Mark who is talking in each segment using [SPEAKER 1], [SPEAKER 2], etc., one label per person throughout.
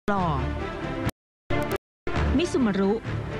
[SPEAKER 1] หล่อมิซุมารุ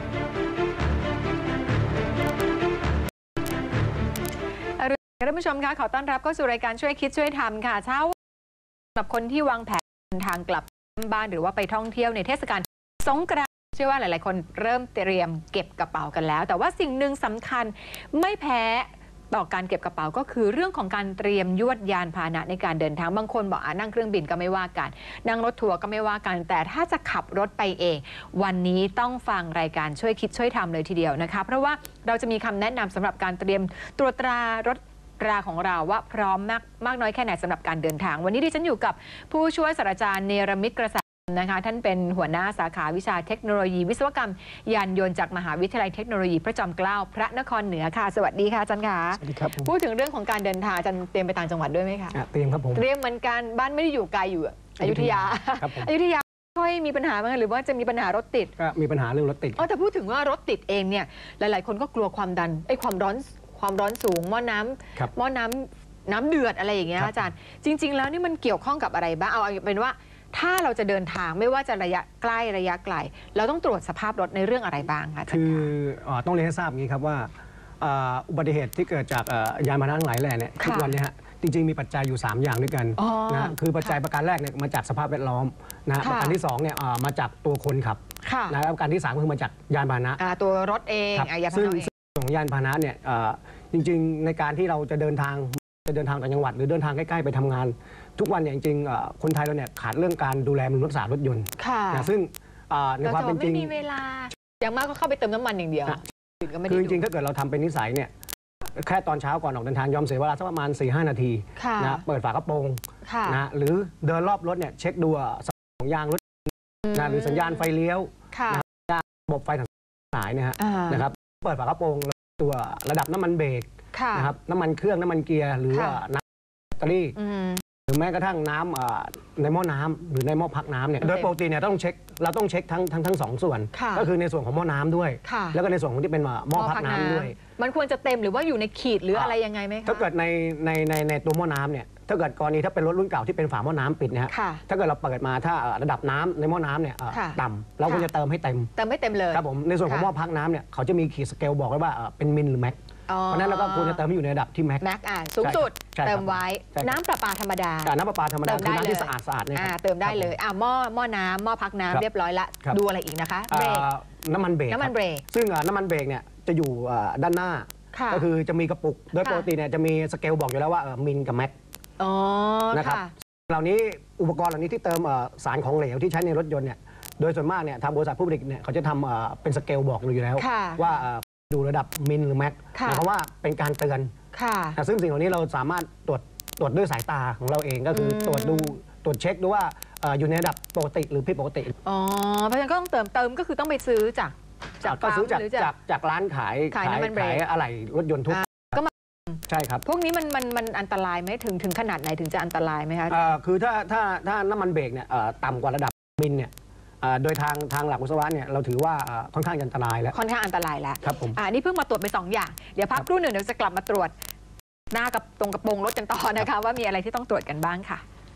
[SPEAKER 2] ท่านผู้ชมคะขอต้อนรับเข้าสู่รายการช่วยคิดช่วยทำค่ะเช้าสำหรับคนที่วางแผนเดินทางกลับบ้านหรือว่าไปท่องเที่ยวในเทศกาลสงกรานต์เชื่อว่าหลายๆคนเริ่มเตรียมเก็บกระเป๋ากันแล้วแต่ว่าสิ่งหนึ่งสำคัญไม่แพ้ต่อการเก็บกระเป๋าก็คือเรื่องของการเตรียมยวดยานพาหนะในการเดินทางบางคนบอกนั่งเครื่องบินก็ไม่ว่ากันนั่งรถทัวร์ก็ไม่ว่ากันแต่ถ้าจะขับรถไปเองวันนี้ต้องฟังรายการช่วยคิดช่วยทำเลยทีเดียวนะคะเพราะว่าเราจะมีคำแนะนำสำหรับการเตรียมตรวจตรารถราของเราว่าพร้อมมากน้อยแค่ไหนสำหรับการเดินทางวันนี้ดิฉันอยู่กับผู้ช่วยศาสตราจารย์เนรมิตกระแสนะคะท่านเป็นหัวหน้าสาขาวิชาเทคโนโลยีวิศวกรรมยานยนต์จากมหาวิทยาลัยเทคโนโลยีพระจอมเกล้าพระนครเหนือค่ะสวัสดีค่ะอาจารย์ค่ะ
[SPEAKER 3] สวัสดีครับ
[SPEAKER 2] พูดถึงเรื่องของการเดินทางอาจารย์เตรียมไปต่างจังหวัดด้วยไหมคะ
[SPEAKER 3] เตรียมครับผม
[SPEAKER 2] เตรียมเหมือนกันบ้านไม่ได้อยู่ไกลอยู่อยุธยาอยุธยาค่อยมีปัญหาไหมหรือว่าจะมีปัญหา รถติด
[SPEAKER 3] ก็มีปัญหาเรื่องรถติด
[SPEAKER 2] แต่พูดถึงว่ารถติดเองเนี่ยหลายๆคนก็กลัวความดันความร้อนสูงหม้อน้ำเดือดอะไรอย่างเงี้ยอาจารย์จริงๆแล้วนี่มันเกี่ยวข้องกับอะไรบ้างเอาเป็นว่าถ้าเราจะเดินทางไม่ว่าจะระยะใกล้ระยะไกลเราต้องตรวจสภาพรถในเรื่องอะไรบ้างคะ
[SPEAKER 3] คือต้องเรียนให้ทราบอย่างนี้ครับว่าอุบัติเหตุที่เกิดจากยานพาหนะทั้งหลายแหล่เนี่ยทุกวันนี้ฮะจริงๆมีปัจจัยอยู่3อย่างด้วยกันนะคือปัจจัยประการแรกเนี่ยมาจากสภาพแวดล้อมนะประการที่2เนี่ยมาจากตัวคนขับนะแล้วประการที่3คือมาจากยานพาหนะ
[SPEAKER 2] ตัวรถเอง
[SPEAKER 3] ซึ่งของยานพาหนะเนี่ยจริงๆในการที่เราจะเดินทางต่างจังหวัดหรือเดินทางใกล้ๆไปทำงานทุกวันเนี่ยจริงๆคนไทยเราเนี่ยขาดเรื่องการดูแลบำรุงรักษารถยนต์นะซึ่งในความเป็นจริง
[SPEAKER 2] ไม่มีเวลาอย่างมากก็เข้าไปเติมน้ำมันอย่างเดียว
[SPEAKER 3] คือจริงๆถ้าเกิดเราทำเป็นนิสัยเนี่ยแค่ตอนเช้าก่อนออกเดินทางยอมเสียเวลาสักประมาณ 4-5 นาทีนะเปิดฝากระโปรงนะหรือเดินรอบรถเนี่ยเช็คดูของยางรถนะหรือสัญญาณไฟเลี้ยวระบบไฟทั้งสายเนี่ยนะครับเปิดฝากระโปรงตัวระดับน้ำมันเบรกนะครับน้ำมันเครื่องน้ำมันเกียร์หรือน้ำแบตเตอรี่หรือแม้กระทั่งน้ำในหม้อน้ำหรือในหม้อพักน้ำเนี่ยโดยปกติเนี่ยเราต้องเช็คทั้ง2 ส่วนก็คือในส่วนของหม้อน้ำด้วยแล้วก็ในส่วนของที่เป็นหม้อพักน้ำด้วย
[SPEAKER 2] มันควรจะเต็มหรือว่าอยู่ในขีดหรืออะไรยังไงไหมคะ
[SPEAKER 3] ถ้าเกิดในตัวหม้อน้ำเนี่ยถ้าเกิดกรณีถ้าเป็นรถรุ่นเก่าที่เป็นฝาหม้อน้ำปิดนะฮะถ้าเกิดเราเปิดมาถ้าระดับน้ำในหม้อน้ำเนี่ยต่ำเราควรจะเติมให้เต็ม
[SPEAKER 2] เลย
[SPEAKER 3] ครับผมในส่วนของหม้อพักน้ำเนี่ยเขาจะมีขีดสเกลบอกไว้ว่าเป็นมิลหรือแม็กเพราะนั้นเราก็ควรจะเติมให้อยู่ในระดับที่แม็ก
[SPEAKER 2] สูงสุดเติมไว้น้ำประปาธรรมดา
[SPEAKER 3] น้ำประปาธรรมดาคือน้ำที่สะอาดเนี่ย
[SPEAKER 2] เติมได้เลยหม้อน้ำหม้อพักน้ำเรียบร้อยละดูอะไรอีกนะคะเบรก
[SPEAKER 3] น้ำมันเบรกซึ่งน้ำมันเบรกเนี่ยจะอยู่ด้านหน้าก็คือจะมีกระปุกโดยปกติเนี่ยจะมีสเกลบอกอยู่แล้วว่ามิลกับแม็กนะครับเหล่านี้อุปกรณ์เหล่านี้ที่เติมสารของเหลวที่ใช้ในรถยนต์เนี่ยโดยส่วนมากเนี่ยทางบริษัทผู้ผลิตเนี่ยเขาจะทำเป็นสเกลบอกอยู่แล้วว่าดูระดับมิลหรือแม็กหมายความว่าเป็นการเตือนซึ่งสิ่งเหล่านี้เราสามารถตรวจด้วยสายตาของเราเองก็คือตรวจเช็คดูว่าอยู่ในระดับปกติหรือผิดปกติ
[SPEAKER 2] เพราะฉะนั้นก็ต้องเติมก็คือต้องไปซื้อจาก
[SPEAKER 3] ร้านขายอะไรรถยนต์ทุกใช่ครับ
[SPEAKER 2] พวกนี้มันอันตรายไหมถึงขนาดไหนถึงจะอันตรายไหมคะ
[SPEAKER 3] คือถ้าน้ำมันเบรกเนี่ยต่ำกว่าระดับมิลเนี่ยโดยทางหลักวิศวะเนี่ยเราถือว่าค่อนข้างอันตรายแล้ว
[SPEAKER 2] ครับผมนี่เพิ่งมาตรวจไป2 อย่างเดี๋ยวพักครู่หนึ่งเดี๋ยวจะกลับมาตรวจหน้ากับตรงกระโปรงรถกันต่อนะคะว่ามีอะไรที่ต้องตรวจกันบ้างค่ะ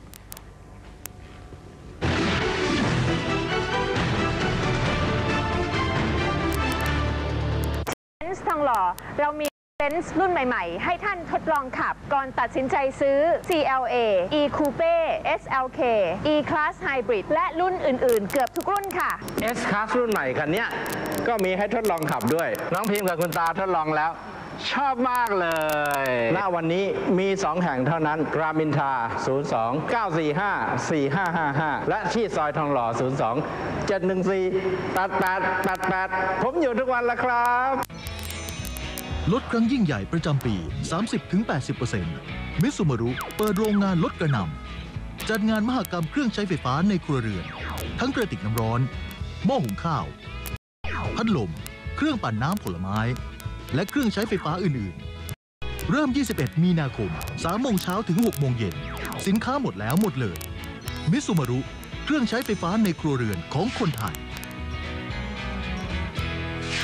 [SPEAKER 4] ทองหล่อเรามีเบนซ์รุ่นใหม่ๆให้ท่านทดลองขับก่อนตัดสินใจซื้อ CLA E Coupe SLK E Class Hybrid และรุ่นอื่นๆเกือบทุกรุ่นค่ะ
[SPEAKER 5] S Class รุ่นใหม่คันนี้ก็มีให้ทดลองขับด้วยน้องพิมพ์กับคุณตาทดลองแล้วชอบมากเลยณวันนี้มี 2 แห่งเท่านั้นรามอินทรา02-945-4555 และที่ซอยทองหล่อ02-714-8888ผมอยู่ทุกวันแล้วครับ
[SPEAKER 6] ลดครั้งยิ่งใหญ่ประจำปี 30-80% มิซูมารุเปิดโรงงานลดกระหน่ำจัดงานมหกรรมเครื่องใช้ไฟฟ้าในครัวเรือนทั้งกระติกน้ำร้อนหม้อหุงข้าวพัดลมเครื่องปั่นน้ำผลไม้และเครื่องใช้ไฟฟ้าอื่นๆเริ่ม 21 มีนาคม 3 โมงเช้าถึง 6 โมงเย็นสินค้าหมดแล้วหมดเลยมิซูมารุเครื่องใช้ไฟฟ้าในครัวเรือนของคนไทย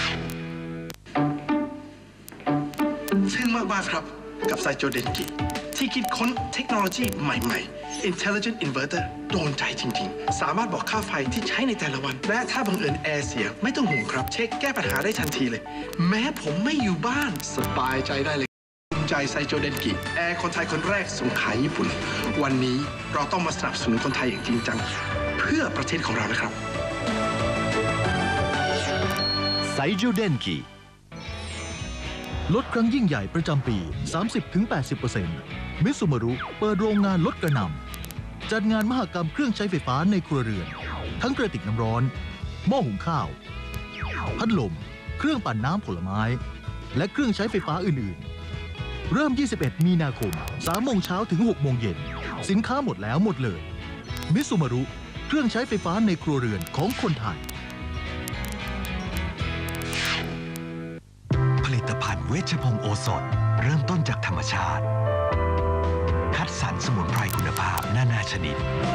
[SPEAKER 7] ซึ่งมากๆครับกับไซโจเดนกิ
[SPEAKER 1] ที่คิดค้นเทคโนโลยีใหม่ๆ Intelligent Inverter โดนใจจริงๆ สามารถบอกค่าไฟที่ใช้ในแต่ละวัน และถ้าบังเอิญแอร์เสียไม่ต้องห่วงครับ เช็คแก้ปัญหาได้ทันทีเลย แม้ผมไม่อยู่บ้านสบายใจได้เลยภูมิใจไซโจเดนกิแอร์คนไทยคนแรกส่งขายญี่ปุ่นวันนี้เราต้องมาสนับสนุนคนไทยอย่างจริงจังเพื่อประเทศของเรานะครับ
[SPEAKER 6] ไซโจเดนกิลดครั้งยิ่งใหญ่ประจำปี 30-80% มิซูมารุเปิดโรงงานลดกระหน่ำจัดงานมหกรรมเครื่องใช้ไฟฟ้าในครัวเรือนทั้งกระติกน้ำร้อนหม้อหุงข้าวพัดลมเครื่องปั่นน้ำผลไม้และเครื่องใช้ไฟฟ้าอื่นๆเริ่ม 21 มีนาคม 3 โมงเช้าถึง 6 โมงเย็นสินค้าหมดแล้วหมดเลยมิซูมารุเครื่องใช้ไฟฟ้าในครัวเรือนของคนไทย
[SPEAKER 7] ผลิตภัณฑ์เวชภงศ์โอสถเริ่มต้นจากธรรมชาติคัดสรรสมุนไพรคุณภาพนานาชนิด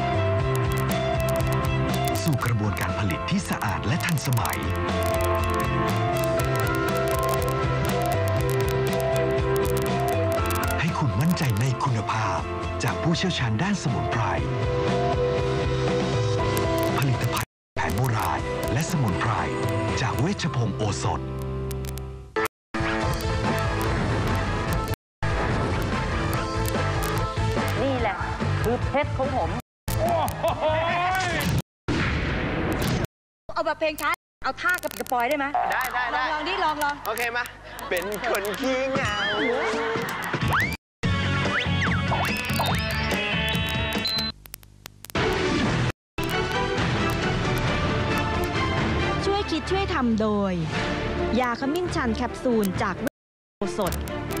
[SPEAKER 7] สู่กระบวนการผลิตที่สะอาดและทันสมัยให้คุณมั่นใจในคุณภาพจากผู้เชี่ยวชาญด้านสมุนไพรผลิตภัณฑ์แผนโบราณและสมุนไพรจากเวชภงศ์โอสถ
[SPEAKER 8] คือเพชรของผมเอาแบบเพลงช้าเอาท่ากระปิดกระปอยได้ไหมได้ลองดิลอง
[SPEAKER 9] โอเคมาเป็นคนขี้เหงา
[SPEAKER 10] ช่วยคิดช่วยทำโดยยาขมิ้นชันแคปซูลจากโอสถ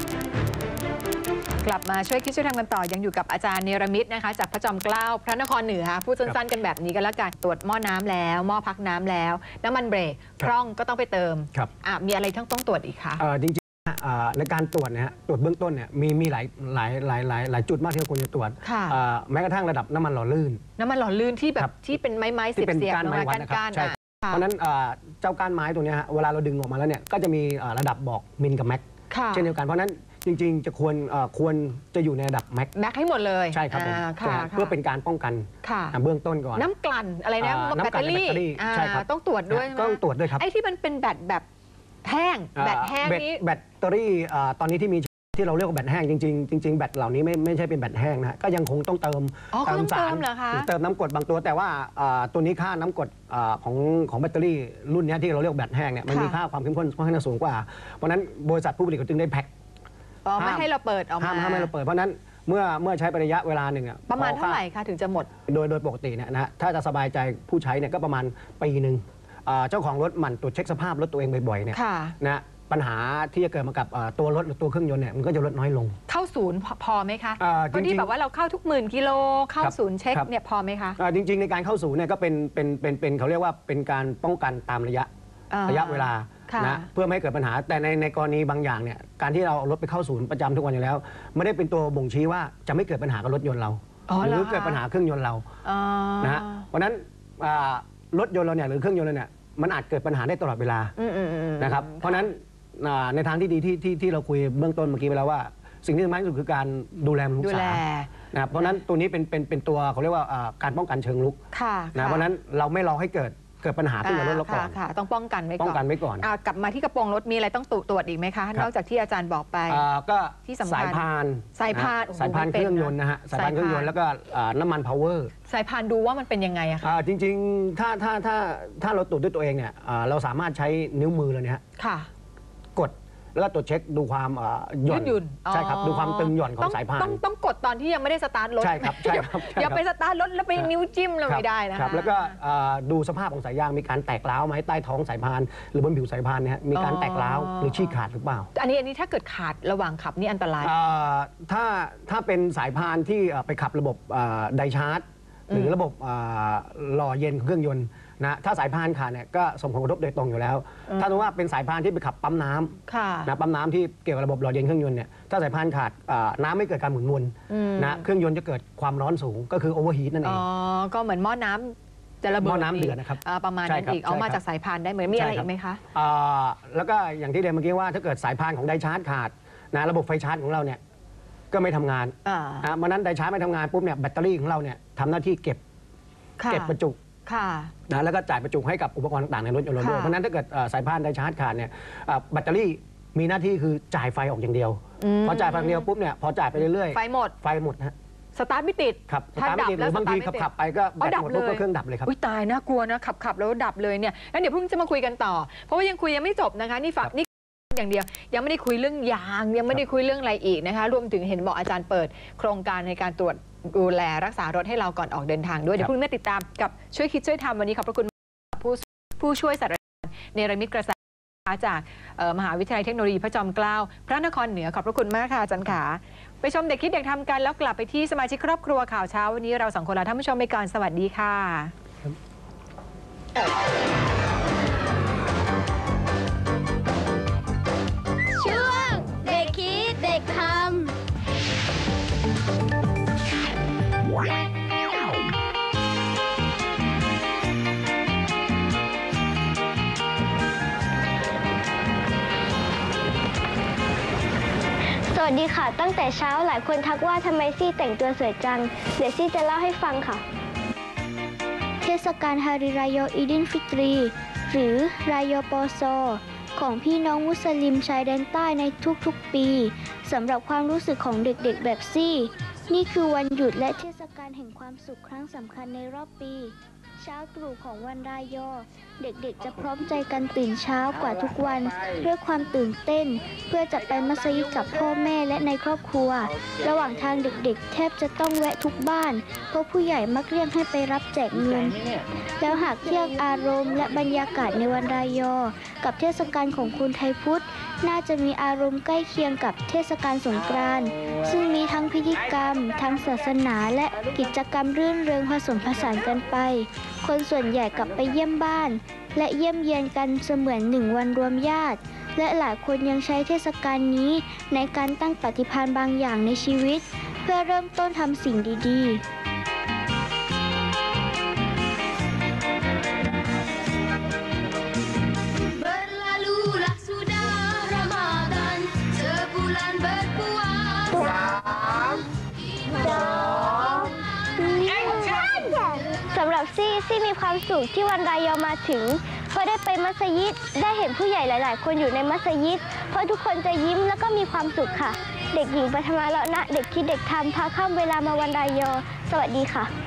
[SPEAKER 2] กลับมาช่วยคิดช่วยทำกันต่อยังอยู่กับอาจารย์เนรมิตนะคะจากพระจอมเกล้าพระนครเหนือพูดสั้นๆกันแบบนี้กันแล้วกันตรวจหม้อน้ำแล้วหม้อพักน้ำแล้วน้ำมันเบรกพร่องก็ต้องไปเติมมีอะไรต้องตรวจอีกคะ
[SPEAKER 3] จริงๆในการตรวจนะฮะตรวจเบื้องต้นเนี่ยมีหลายจุดมากที่เราควรจะตรวจแม้กระทั่งระดับน้ำมันหล่อลื่น
[SPEAKER 2] ที่แบบที่เป็นไม้เสียบๆลงมาก้าน
[SPEAKER 3] เพราะนั้นเจ้าก้านไม้ตัวนี้เวลาเราดึงออกมาแล้วเนี่ยก็จะมีระดับบอกมิลกับแม็กเช่นเดียวกันเพราะนั้นจริงๆจะควรจะอยู่ในระดับแม็ก
[SPEAKER 2] ให้หมดเลย
[SPEAKER 3] ใช่ครับผมเพื่อเป็นการป้องกันเบื้องต้นก่อน
[SPEAKER 2] น้ำกลั่นอะไรนะแบตเตอรี่
[SPEAKER 3] ใช่ครับ
[SPEAKER 2] ต้องตรวจด้วย
[SPEAKER 3] ต้องตรวจด้วยครับ
[SPEAKER 2] ไอ้ที่มันเป็นแบตแบบแห้งนี้
[SPEAKER 3] แบตเตอรี่ตอนนี้ที่มีที่เราเรียกว่าแบตแห้งจริงๆแบตเหล่านี้ไม่ใช่เป็นแบตแห้งนะก็ยังคงต้องเติม
[SPEAKER 2] สาร
[SPEAKER 3] หรือเติมน้ำกรดบางตัวแต่ว่าตัวนี้ค่าน้ำกรดของแบตเตอรี่รุ่นนี้ที่เราเรียกแบตแห้งเนี่ยมันมีค่าความเข้มข้นค่อนข้างสูงกว่าเพราะนั้นบริษัทผู้ผลิตเขาจึงได้แพ็ค
[SPEAKER 2] ไม่ให้เราเปิดออกมา
[SPEAKER 3] ห้ามให้เราเปิดเพราะนั้นเมื่อใช้ไประยะเวลาหนึ่ง
[SPEAKER 2] ประมาณเท่าไหร่คะถึงจะหมด
[SPEAKER 3] โดยปกติเนี่ยนะถ้าจะสบายใจผู้ใช้เนี่ยก็ประมาณปีหนึ่งเจ้าของรถหมั่นตรวจเช็คสภาพรถตัวเองบ่อยๆเนี่ยนะปัญหาที่จะเกิดมากับตัวรถหรือตัวเครื่องยนต์เนี่ยมันก็จะลดน้อยลง
[SPEAKER 2] เข้าศูนย์พอไหมคะบางทีแบบว่าเราเข้าทุกหมื่นกิโลเข้าศูนย์เช็คเนี่ยพอไหมคะ
[SPEAKER 3] จริงๆในการเข้าศูนย์เนี่ยก็เป็นเขาเรียกว่าเป็นการป้องกันตามระยะเวลานะเพื่อไม่ให้เกิดปัญหาแต่ในกรณีบางอย่างเนี่ยการที่เราเอารถไปเข้าศูนย์ประจำทุกวันอยู่แล้วไม่ได้เป็นตัวบ่งชี้ว่าจะไม่เกิดปัญหากับรถยนต์เราหรือเกิดปัญหาเครื่องยนต์เรานะฮะเพราะนั้นรถยนต์เราเนี่ยหรือเครื่องยนต์เราเนี่ยมันอาจเกิดปัญหาได้ตลอดเวลานะครับเพราะนั้นในทางที่ดีที่เราคุยเบื้องต้นเมื่อกี้ไปแล้วว่าสิ่งที่สำคัญที่สุดคือการดูแลรักษานะครับเพราะนั้นตัวนี้เป็นตัวเขาเรียกว่าการป้องกันเชิงรุกนะเพราะนั้นเราไม่รอให้เกิดปัญหาขึ้นกับรถเราก่อน
[SPEAKER 2] ต้องป้องกันไว้
[SPEAKER 3] ก่อน
[SPEAKER 2] กลับมาที่กระโปรงรถมีอะไรต้องตรวจอีกไหมคะนอกจากที่อาจารย์บอกไป
[SPEAKER 3] ก็
[SPEAKER 2] ที่สำคัญ
[SPEAKER 3] สายพานเครื่องยนต์นะฮะสายพานเครื่องยนต์แล้วก็น้ำมันพาวเวอร์
[SPEAKER 2] สายพานดูว่ามันเป็นยังไงอะคะ
[SPEAKER 3] จริงๆถ้าเราตรวจด้วยตัวเองเนี่ยเราสามารถใช้นิ้วมือเลยเนี่ยกดแล้วตรวจเช็คดูความหย่อนใช่ครับดูความตึงหย่อนของสายพาน
[SPEAKER 2] ต้องกดตอนที่ยังไม่ได้สตาร์ทรถ
[SPEAKER 3] ใช่ครับ
[SPEAKER 2] อย่าไปสตาร์ทรถแล้วไปนิ้วจิ้มเราไม่ได้นะคะ
[SPEAKER 3] แล้วก็ดูสภาพของสายยางมีการแตกร้าวไหมใต้ท้องสายพานหรือบนผิวสายพานเนี่ยมีการแตกร้าวหรือฉีกขาดหรือเปล่า
[SPEAKER 2] อันนี้ถ้าเกิดขาดระหว่างขับนี่อันตราย
[SPEAKER 3] ถ้าเป็นสายพานที่ไปขับระบบไดชาร์จหรือระบบหล่อเย็นของเครื่องยนต์นะถ้าสายพานขาดเนี่ยก็ส่งผลกระทบโดยตรงอยู่แล้วถ้าสมมติว่าเป็นสายพานที่ไปขับปั๊มน้ำนะปั๊มน้ำที่เกี่ยวกับระบบหล่อเย็นเครื่องยนต์เนี่ยถ้าสายพานขาดน้ำไม่เกิดการหมุนวนนะเครื่องยนต์จะเกิดความร้อนสูงก็คือโอเวอร์ฮีทนั่นเอง
[SPEAKER 2] ก็เหมือนหม้อน้ำจะระเบิด
[SPEAKER 3] หม้อน้ำเดือดนะครับ
[SPEAKER 2] ประมาณนั้นอีกเอามาจากสายพานได้เหมือนมีอะไรอีกไหมคะ
[SPEAKER 3] แล้วก็อย่างที่เรียนเมื่อกี้ว่าถ้าเกิดสายพานของไดชาร์จขาดนะระบบไฟชาร์จของเราเนี่ยก็ไม่ทำงานวันนั้นไดชาร์จไม่ทำงานปุ๊บเนี่ยแบตเตอรี่ของเราเนี่ยทำหน้าที่เก็บประจุนะแล้วก็จ่ายประจุให้กับอุปกรณ์ต่างๆในรถยนต์เราด้วยเพราะนั้นถ้าเกิดสายพานไดชาร์จขาดเนี่ยแบตเตอรี่มีหน้าที่คือจ่ายไฟออกอย่างเดียวพอจ่ายไฟอย่างเดียวปุ๊บเนี่ยพอจ่ายไปเรื่อยๆไฟหมดฮะ
[SPEAKER 2] สตาร์ทไม่ติด
[SPEAKER 3] ครับสตาร์ทไม่ติดหรือบางทีขับไปก็แบตหมดปุ๊บก็เครื่องดับเลยครับ
[SPEAKER 2] อุ้ยตายน่ากลัวนะขับแล้วดับเลยเนี่ยงั้นเดี๋ยวเพิ่งจะมาคุยกันต่อเพราะว่ายังคุยยังไม่จบนะคะนี่อย่างเดียวยังไม่ได้คุยเรื่องยางยังไม่ได้คุยเรื่องอะไรอีกนะคะรวมถึงเห็นบอกอาจารย์เปิดโครงการในการตรวจดูแลรักษารถให้เราก่อนออกเดินทางด้วยเดี๋ยวพรุ่งนี้ติดตามกับช่วยคิดช่วยทำวันนี้ขอบพระคุณผู้ช่วยศาสตราจารย์เนรมิตกระแสจากมหาวิทยาลัยเทคโนโลยีพระจอมเกล้าพระนครเหนือขอบพระคุณมากค่ะอาจารย์ขาไปชมเด็กคิดเด็กทำกันแล้วกลับไปที่สมาชิกครอบครัวข่าวเช้าวันนี้เรา2 คนลาท่านผู้ชมไปก่อนสวัสดีค่ะ
[SPEAKER 11] ช่วงเด็กคิดเด็กทำสวัสดีค่ะตั้งแต่เช้าหลายคนทักว่าทำไมซี่แต่งตัวสวยจังเดี๋ยวซี่จะเล่าให้ฟังค่ะเทศกาลฮาริรายออีดินฟิตรีหรือรายอปอซอของพี่น้องมุสลิมชายแดนใต้ในทุกๆปีสำหรับความรู้สึกของเด็กๆแบบซี่นี่คือวันหยุดและเทศกาลแห่งความสุขครั้งสำคัญในรอบปีเช้าตรู่ของวันรายอเด็กๆจะพร้อมใจกันตื่นเช้ากว่าทุกวันด้วยความตื่นเต้นเพื่อจะไปมัสยิดกับพ่อแม่และในครอบครัวระหว่างทางเด็กๆแทบจะต้องแวะทุกบ้านเพราะผู้ใหญ่มักเรียกให้ไปรับแจกเงินแล้วหากเทียบอารมณ์และบรรยากาศในวันรายอกับเทศกาลของคนไทยพุทธน่าจะมีอารมณ์ใกล้เคียงกับเทศกาลสงกรานต์ซึ่งมีทั้งพิธีกรรมทั้งศาสนาและกิจกรรมรื่นเริงผสมผสานกันไปคนส่วนใหญ่กลับไปเยี่ยมบ้านและเยี่ยมเยียนกันเสมือน1 วันรวมญาติและหลายคนยังใช้เทศกาลนี้ในการตั้งปฏิภาณบางอย่างในชีวิตเพื่อเริ่มต้นทำสิ่งดีๆสำหรับซี่มีความสุขที่วันรายอมาถึงเพราะได้ไปมัสยิดได้เห็นผู้ใหญ่หลายๆคนอยู่ในมัสยิดเพราะทุกคนจะยิ้มแล้วก็มีความสุขค่ะเด็กหญิงปฐมาเลาะนะเด็กคิดเด็กทำพาข้ามเวลามาวันรายอสวัสดีค่ะ